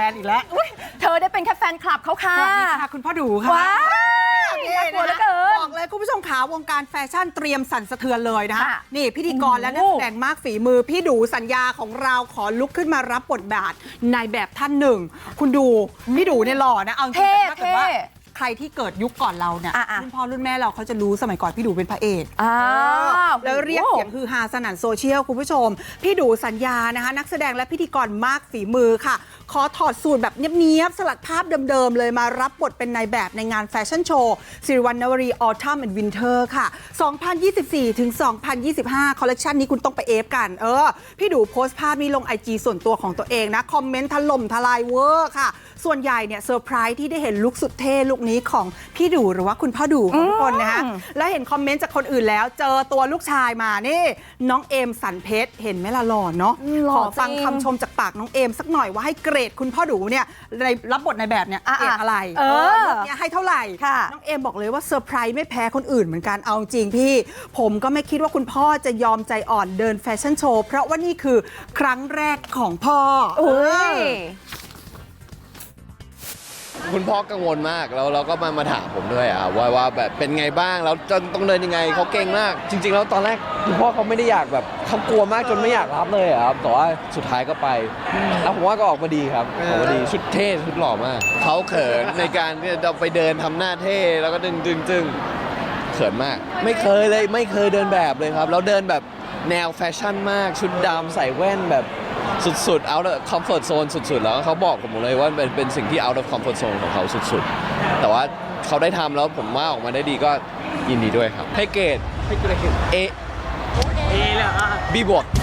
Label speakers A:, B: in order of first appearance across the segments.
A: นอีกแล้ว
B: เธอได้เป็นแค่แฟนคลับเขาค่ะ
A: สวัสดีค่ะคุณพ่อดูค่ะ
B: ว้าวน่ากลัวเหลือเกิน
A: บอกเลยคุณผู้ชมขาวงการแฟชั่นเตรียมสั่นสะเทือนเลยนะคะ
B: ค่ะ
A: นี่พิธีกรและนักแสดงมากฝีมือพี่ดูสัญญาของเราขอลุกขึ้นมารับบทบาทนายแบบท่านหนึ่งคุณดูพี่ดูเนี่ยหล่อนะเอาจริงๆแต่ถ้าเกิดว่าใครที่เกิดยุคก่อนเราเนี่ยรุ่นพ่อรุ่นแม่เราเขาจะรู้สมัยก่อนพี่ดูเป็นพระเอกแล้วเรียกเสียงฮือฮาสนั่นโซเชียลคุณผู้ชมพี่ดูสัญญานะคะนักแสดงและพิธีกรมากฝีมือค่ะขอถอดสูตรแบบเนียบๆสลัดภาพเดิมๆเลยมารับบทเป็นนายแบบในงานแฟชั่นโชว์สิริวัณณวรี Autumn and Winter ค่ะ 2024 ถึง 2025 คอลเลคชันนี้คุณต้องไปเอฟกันพี่ดูโพสต์ภาพนี้ลง IG ส่วนตัวของตัวเองนะคอมเมนต์ถล่มทลายเวอร์ค่ะส่วนใหญ่เนี่ยเซอร์ไพรส์ที่ได้เห็นลุคสุดเท่ลุคนี้ของพี่ดูหรือว่าคุณพ่อดูของทุกคนนะคะแล้วเห็นคอมเมนต์จากคนอื่นแล้วเจอตัวลูกชายมานี่น้องเอมสันเพชรเห็นไหมล่ะหล่อเนาะขอฟังคำชมจากปากน้องเอมสักหน่อยว่าให้เกรดคุณพ่อดูเนี่ยในรับบทในแบบเนี่ยเกรดอะไรลุคเนี่ยให้เท่าไหร่น้องเอมบอกเลยว่าเซอร์ไพรส์ไม่แพ้คนอื่นเหมือนกันเอาจริงพี่ผมก็ไม่คิดว่าคุณพ่อจะยอมใจอ่อนเดินแฟชั่นโชว์เพราะว่านี่คือครั้งแรกของพ่อ
C: คุณพ่อกังวลมากแล้วเราก็มาถามผมด้วยว่าแบบเป็นไงบ้างแล้วจะต้องเดินยังไงเขาเก่งมากจริงๆแล้วตอนแรกคุณพ่อเขาไม่ได้อยากแบบเขากลัวมากจนไม่อยากรับเลยครับแต่ว่าสุดท้ายก็ไปแล้วผมว่าก็ออกมาดีครับออกมาดีชุดเท่ชุดหล่อมากเขาเขินในการที่จะไปเดินทำหน้าเท่แล้วก็ดึงเขินมากไม่เคยเดินแบบเลยครับแล้วเดินแบบแนวแฟชั่นมากชุดดำใส่แว่นแบบสุดๆ out of comfort zone สุดๆแล้วเขาบอกผมเลยว่าเป็นสิ่งที่ out of comfort zone ของเขาสุดๆแต่ว่าเขาได้ทำแล้วผมว่าออกมาได้ดีก็ยินดีด้วยครับให้เกรดเอเลยB บวก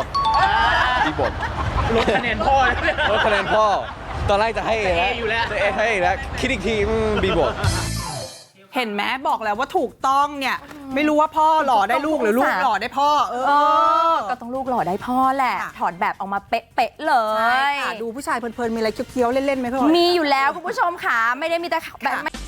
D: ลดคะแนนพ่อ
C: ตอนแรกจะให้ A แล้วจะให้ A แล้วคิดอีกทีB บวก
A: เห็นไหมบอกแล้วว่าถูกต้องเนี่ยไม่รู้ว่าพ่อหล่อได้ลูกหรือลูกหล่อได้พ่อ
B: ก็ต้องลูกหล่อได้พ่อแหละถอดแบบออกมาเป๊ะๆเล
A: ย
B: ย
A: ดูผู้ชายเพลินๆมีอะไรเคี้ยวๆเล่นๆไหมพ่อ
B: มีอยู่แล้วคุณผู้ชมค่ะไม่ได้มีแต่แบบ